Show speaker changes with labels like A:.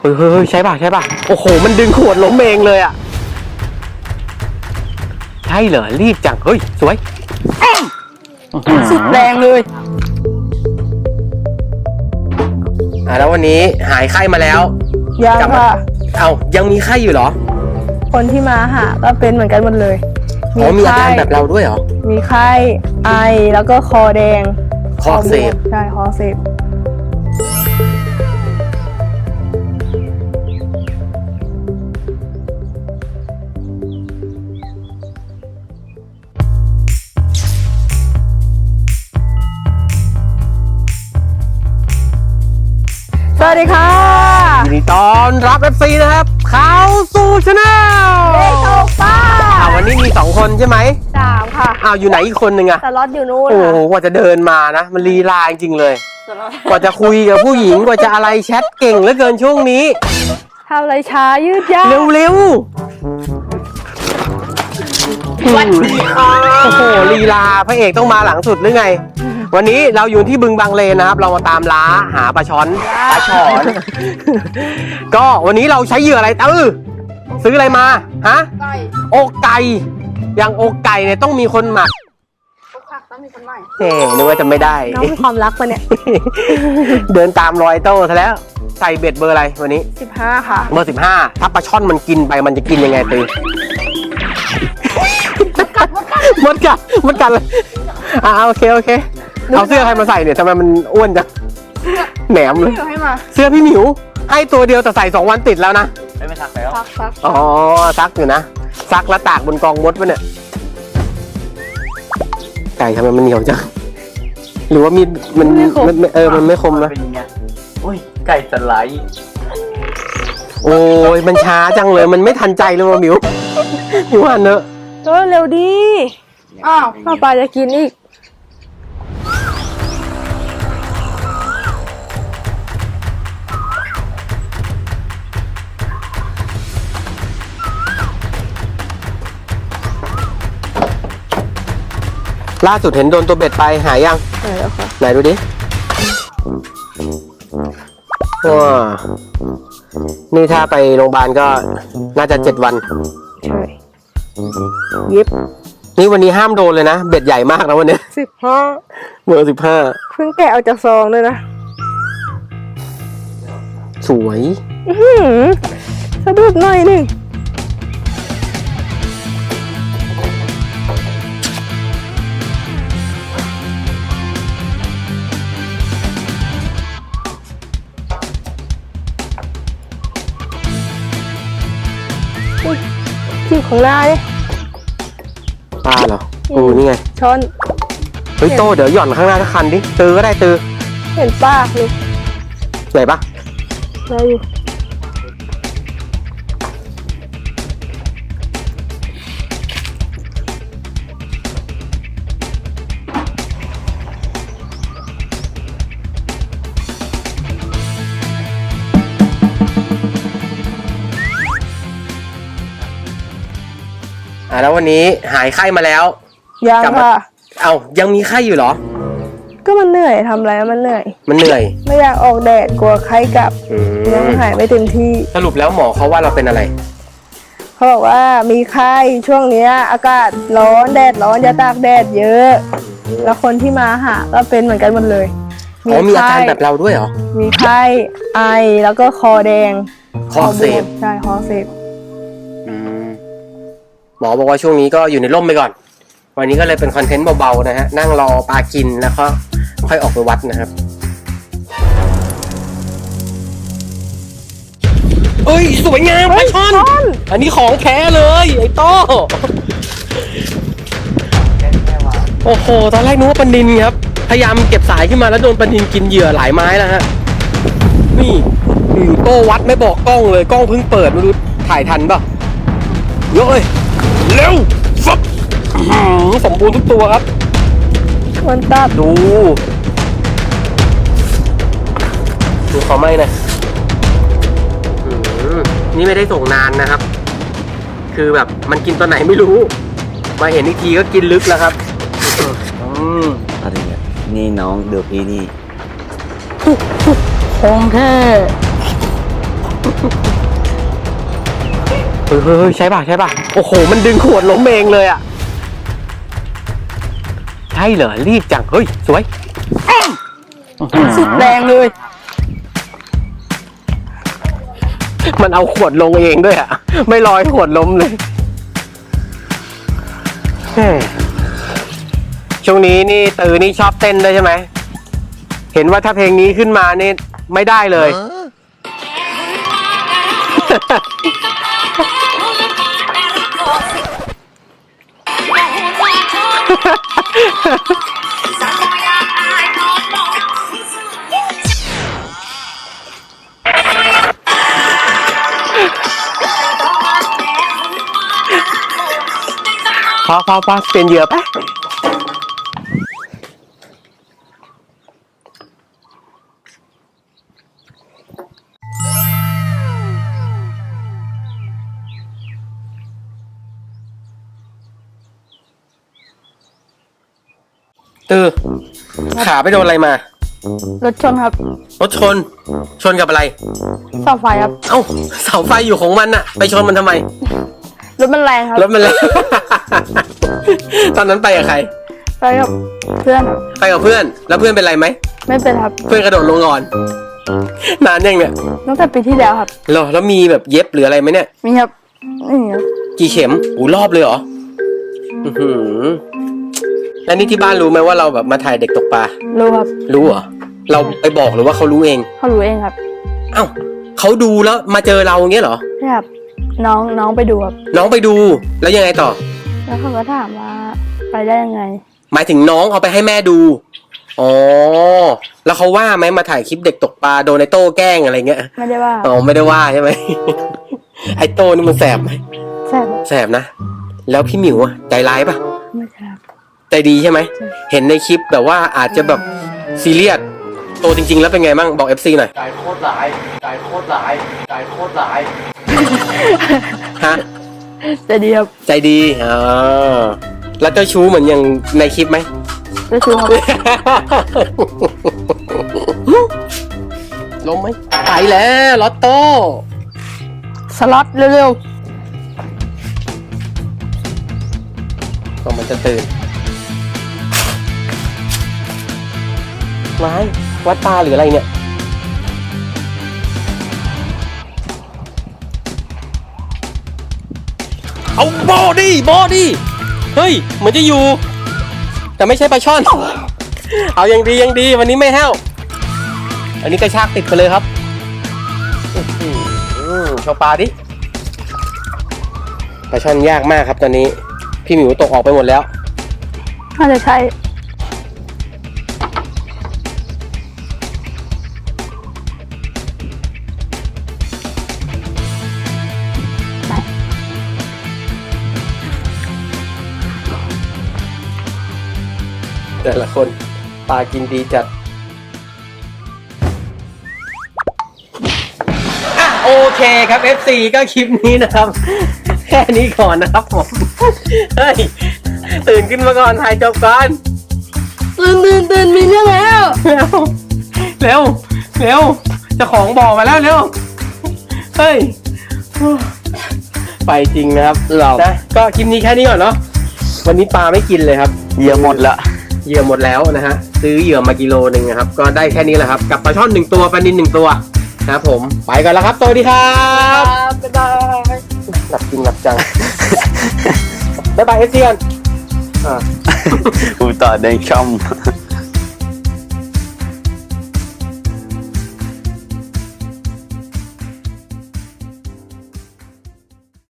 A: เฮ้ยใช่ป่ะโอ้โหมันดึงขวดล้มเองเลยอ่ะใช่เหรอรีบจังเฮ้ยสวย
B: สุดแรงเลย
A: แล้ววันนี้หายไข้มาแล้ว
B: ยังค่ะ
A: ยังมีไข้อยู่เหรอ
B: คนที่มาหาก็เป็นเหมือนกันหมดเลย
A: มีอาการแบบเราด้วยเหรอ
B: มีไข้ไอแล้วก็คอแดง
A: คอเสพ
B: ใช่คอเสพสวัสดีค่ะ
A: ยินดีต้อนรับ FC นะครับเข้าสู่ช anel
B: เด็กโตป้า
A: วันนี้มี2คนใช่ไหม
B: 3ค่ะ
A: อยู่ไหนอีกคนนึงอะ
B: สล็อตอยู่นู่น
A: โอ้โหกว่าจะเดินมานะมันลีลาจริงๆเลยกว่าจะคุยกับผู้หญิงกว่าจะอะไรแชทเก่งเหลือเกินช่วงนี้
B: ทำอะไรช้ายืดยาว
A: เร็ววันนี้โอ้โหลีลาพระเอกต้องมาหลังสุดหรือไงวันนี้เราอยู่ที่บึงบางเลนนะครับเรามาตามล้าหาปลาช้อนก็วันนี้เราใช้เหยื่ออะไรซื้ออะไรมาฮะ
B: ไก่
A: อกไก่อย่างอกไก่เนี่ยต้องมีคนหมัก
B: อกหักต้องมีคนใหม่
A: นึกว่าจะไม่ได้
B: น้องมีความรักปะเนี่ย
A: เดินตามรอยโต้ซะแล้วใส่เบ็ดเบอร์อะไรวันนี้
B: 15ค่ะ
A: เบอร์15ถ้าปลาช่อนมันกินไปมันจะกินยังไงตือมดกัดเลยโอเคเอาเสื้อใครมาใส่เนี่ยทำไมมันอ้วนจังแหนมเลยเสื้อพี่หมิวให้ตัวเดียวแต่ใส่2 วันติดแล้วนะ
C: ไม่ซักแล้ว
B: ซัก
A: ซักอยู่นะซักแล้วตากบนกองมดวะเนี่ยไก่ทำไมมันเหนียวจังหรือว่ามีมันไม่คมนะ
C: โอ้ยไก่สไลด์
A: โอ้ยมันช้าจังเลยมันไม่ทันใจเลยว่ะหมิวหันเนอะ
B: เร็วดีป้าจะกินอีก
A: ล่าสุดเห็นโดนตัวเบ็ดไปหายยัง
B: แล้วค่ะ
A: ไหนดูดิว้านี่ถ้าไปโรงพยาบาลก็น่าจะ7 วัน
B: ใช่ยิบ
A: นี่วันนี้ห้ามโดนเลยนะเบ็ดใหญ่มากนะวันนี้
B: 15
A: เบอร์15
B: เพิ่งแกะออกจากซองเลยนะ
A: สวย
B: สะดุดหน่อยนึงที่ของหน้าดิ
A: ปลาเหรอนี่ไง
B: ช้อน
A: เฮ้ยโตเดี๋ยวหย่อนข้างหน้าสักคันดิตือก็ได้ตือ
B: เห็นป้าเลย
A: ไหนปะ
B: ได้อยู่
A: แล้ววันนี้หายไข้มาแล้ว
B: ยังค่ะ
A: ยังมีไข้อยู่เหรอ
B: ก็มันเหนื่อยทำอะไรมันเหนื่อยไม่อยากออกแดดกลัวไข้กลับยังหายไม่เต็มที่
A: สรุปแล้วหมอเขาว่าเราเป็นอะไร
B: เขาบอกว่ามีไข้ช่วงนี้อากาศร้อนแดดร้อนอย่าตากแดดเยอะแล้วคนที่มาหาก็เป็นเหมือนกันหมดเลย
A: มีอาการแบบเราด้วยเหรอ
B: มีไข้ไอแล้วก็คอแดง
A: คอเสพ
B: ใช่คอเสพ
A: หมอบอกว่าช่วงนี้ก็อยู่ในร่มไปก่อนวันนี้ก็เลยเป็นคอนเทนต์เบาๆนะฮะนั่งรอปลากินแล้วก็ค่อยออกไปวัดนะครับเอ้ยสวยงามปลาช่อนอันนี้ของแท้เลยไอ้โต้โอ้โหตอนแรกนึกว่าปลานิลครับพยายามเก็บสายขึ้นมาแล้วโดนปลานิลกินเหยื่อหลายไม้แล้วฮะนี่โต้วัดไม่บอกกล้องเลยกล้องเพิ่งเปิดไม่รู้ถ่ายทันป่ะเยอะเลยเร็วฟับสมบูรณ์ทุกตัวครับ
B: วันตับ
A: ดูเขาไม่นะนี่ไม่ได้ส่งนานนะครับคือแบบมันกินตอนไหนไม่รู้มาเห็นอีกทีก็กินลึกแล้วครับ
C: อะไรเนี่ยนี่น้องเดือพี่นี่
B: ของแท้
A: เฮ้ยใช่ป่ะใช่ป่ะโอ้โหมันดึงขวดล้มเองเลยอ่ะใช่เหรอรีบจังเฮ้ยสวย
B: สุดแรงเลย
A: มันเอาขวดลงเองด้วยอ่ะไม่ลอยขวดล้มเลยแหม่ช่วงนี้นี่ตือนี่ชอบเต้นด้วยใช่ไหมเห็นว่าถ้าเพลงนี้ขึ้นมานี่ไม่ได้เลย พอเปลี่ยนเหยื่อปะขาไปโดนอะไรมา
B: รถชนครับ
A: รถชนกับอะไร
B: เสาไฟครับ
A: เอ้าเสาไฟอยู่ของมันอะไปชนมันทำไม
B: รถมันแรงครับ
A: รถมันเลย ตอนนั้นไปกับใคร
B: ไปกับเพื่อนครับ
A: ไปกับเพื่อน แล้วเพื่อนเป็นไรไหม
B: ไม่เป็นครับ
A: เพื่อนกระโดดลงก่อน นานยังเนี่ย
B: ตั้งแต่ปีที่แล้วครับ
A: เหรอแล้วมีแบบเย็บหรืออะไรไหมเนี่ย
B: มีครับนี่ครับ
A: กี่เข็มอู้รอบเลยเหรอ อื้อหือแล้วนี่ที่บ้านรู้ไหมว่าเราแบบมาถ่ายเด็กตกปลา
B: รู้ครับ
A: รู้เหรอ เราไปบอกหรือว่าเขารู้เอง
B: เขารู้เองครับ
A: เอ้าเขาดูแล้วมาเจอเราอย่างเงี้ยเหรอ
B: ใช่ครับน้องไปดูครับ
A: น้องไปดู แล้วยังไงต่อ
B: แล้วเขาก็ถามว่าไปได้ยังไง
A: หมายถึงน้องเอาไปให้แม่ดู อ๋อ แล้วเขาว่าไหมมาถ่ายคลิปเด็กตกปลาโดนไอโต้แกล้งอะไรเงี้ย
B: ไม่ได้ว่า
A: อ๋อไม่ได้ว่าใช่ไหม ไอโต้นี่มันแสบไหม
B: ใช่ครับ
A: แสบนะ แล้วพี่หมิวอะใจร้ายปะ
B: ไม่ใช่ครับ
A: ใจดีใช่ไหม
B: ใช่
A: เห็นในคลิปแบบว่าอาจจะแบบซีเรียสโตจริง ๆ แล้วเป็นไงบ้างบอก FC หน่อย
D: ใจโคตรร้ายใจโคตรร้ายใจโคตรร้าย
A: ฮะ
B: จะดีครับ
A: ใจดีอ๋อแล้วเจ้าชู้เหมือนอย่างในคลิปไหม
B: จะชูครับ
A: ลงไหมไปแล้วลอตโต้
B: สล็อตเร็ว
A: ก็มันจะตื่นไม้วัดตาหรืออะไรเนี่ยเอาบอดี้เฮ้ยเหมือนจะอยู่ แต่ไม่ใช่ปลาช่อน เอายังดีวันนี้ไม่แห้วอันนี้กระชากติดไปเลยครับโชว์ปลาดิปลาช่อนยากมากครับตอนนี้พี่หมิวตกออกไปหมดแล้ว
B: ๆน่าจะใช่
A: แต่ละคนปลากินดีจัดโอเคครับ FC ก็คลิปนี้นะครับ แค่นี้ก่อนนะครับผม เฮ้ย ตื่นขึ้นมาก่อนถ่ายจบก่อน
B: ตื่นมีเรื่องแล้ว
A: เร็วเจ้าของบอกมาแล้วเร็ว เฮ้ย ไปจริงนะครับเรานะก็คลิปนี้แค่นี้ก่อนเนาะวันนี้ปลาไม่กินเลยครับ
C: เหยื่อหมดละ
A: เหยื่อหมดแล้วนะฮะซื้อเหยื่อมากิโลนึงนะครับก็ได้แค่นี้แหละครับกับปลาช่อน1ตัวปลานิล1ตัวนะครับผมไปก่อนแล้วครับสวัสดีครับ
B: บ๊ายบาย
A: หลับจริงหลับจัง บ๊ายบายเอฟซีกัน
C: อูต่อในช่อง